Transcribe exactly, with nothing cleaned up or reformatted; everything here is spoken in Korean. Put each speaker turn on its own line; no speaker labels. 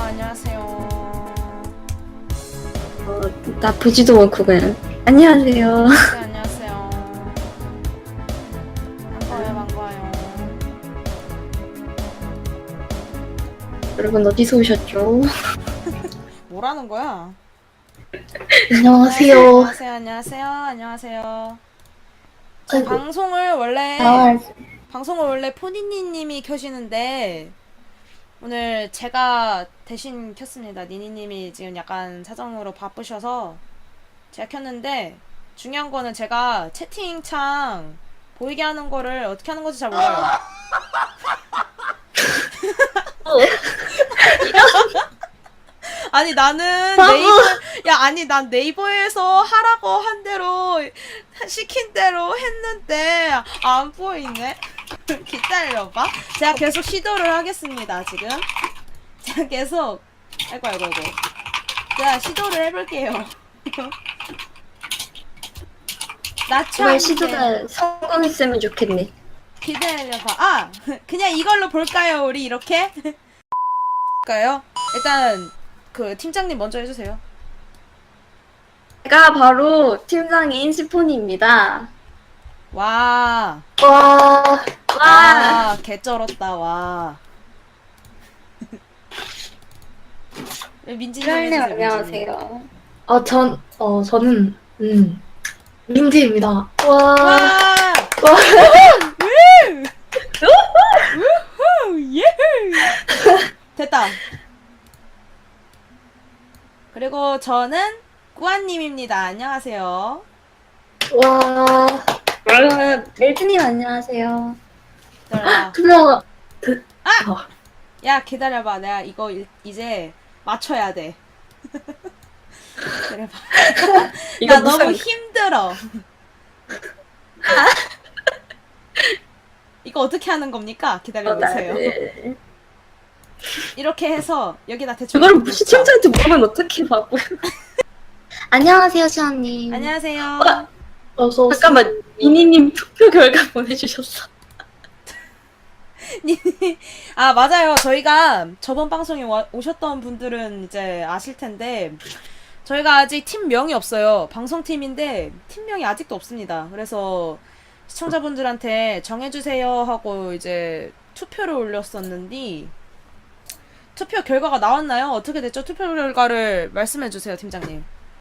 안녕하세요.
어, 나쁘지도 않고 그냥 안녕하세요.
네, 안녕하세요. 반가워요, 반가워요.
여러분 어디서 오셨죠?
뭐라는 거야?
안녕하세요.
안녕하세요, 안녕하세요, 안녕하세요. 저
아이고.
방송을 원래
아,
방송을 원래 포니니님이 켜시는데 오늘 제가 대신 켰습니다. 니니님이 지금 약간 사정으로 바쁘셔서 제가 켰는데 중요한 거는 제가 채팅창 보이게 하는 거를 어떻게 하는 건지 잘 몰라요. 아니 나는 네이버 야 아니 난 네이버에서 하라고 한 대로 시킨 대로 했는데 안 보이네. 기다려봐. 제가 계속 시도를 하겠습니다. 지금 제가 계속 아이고 아이고 아이고 제가 시도를 해볼게요. 나처럼
정말 시도가 성공했으면 좋겠네.
기다려봐. 아 그냥 이걸로 볼까요? 우리 이렇게 볼까요? 일단 그 팀장님 먼저 해주세요.
제가 바로 팀장인 시폰입니다.
와.
와, 와.
와, 개쩔었다, 와. 민지님
트랄님
해주세요, 민지님.
안녕하세요. 어, 전, 어, 저는 음 민지입니다. 와,
와!
와.
우후! 예! 됐다. 그리고 저는 꾸안님입니다. 안녕하세요.
와. 여러분, 멜트님 안녕하세요.
기다려봐.
투명, 그,
아!
어.
야, 기다려봐. 내가 이거 일, 이제 맞춰야 돼. 기다려봐.
이거
나 너무
무슨-
힘들어. 이거 어떻게 하는 겁니까? 기다려보세요.
어, 네.
이렇게 해서 여기다 대충
그걸
놓자.
시청자한테 물으면 어떻게 바보야. 안녕하세요, 시아님.
안녕하세요.
어서 잠깐만, 미니님 투표 결과 보내주셨어.
아 맞아요. 저희가 저번 방송에 와, 오셨던 분들은 이제 아실 텐데 저희가 아직 팀명이 없어요. 방송팀인데 팀명이 아직도 없습니다. 그래서 시청자분들한테 정해주세요 하고 이제 투표를 올렸었는데 투표 결과가 나왔나요? 어떻게 됐죠? 투표 결과를 말씀해주세요, 팀장님.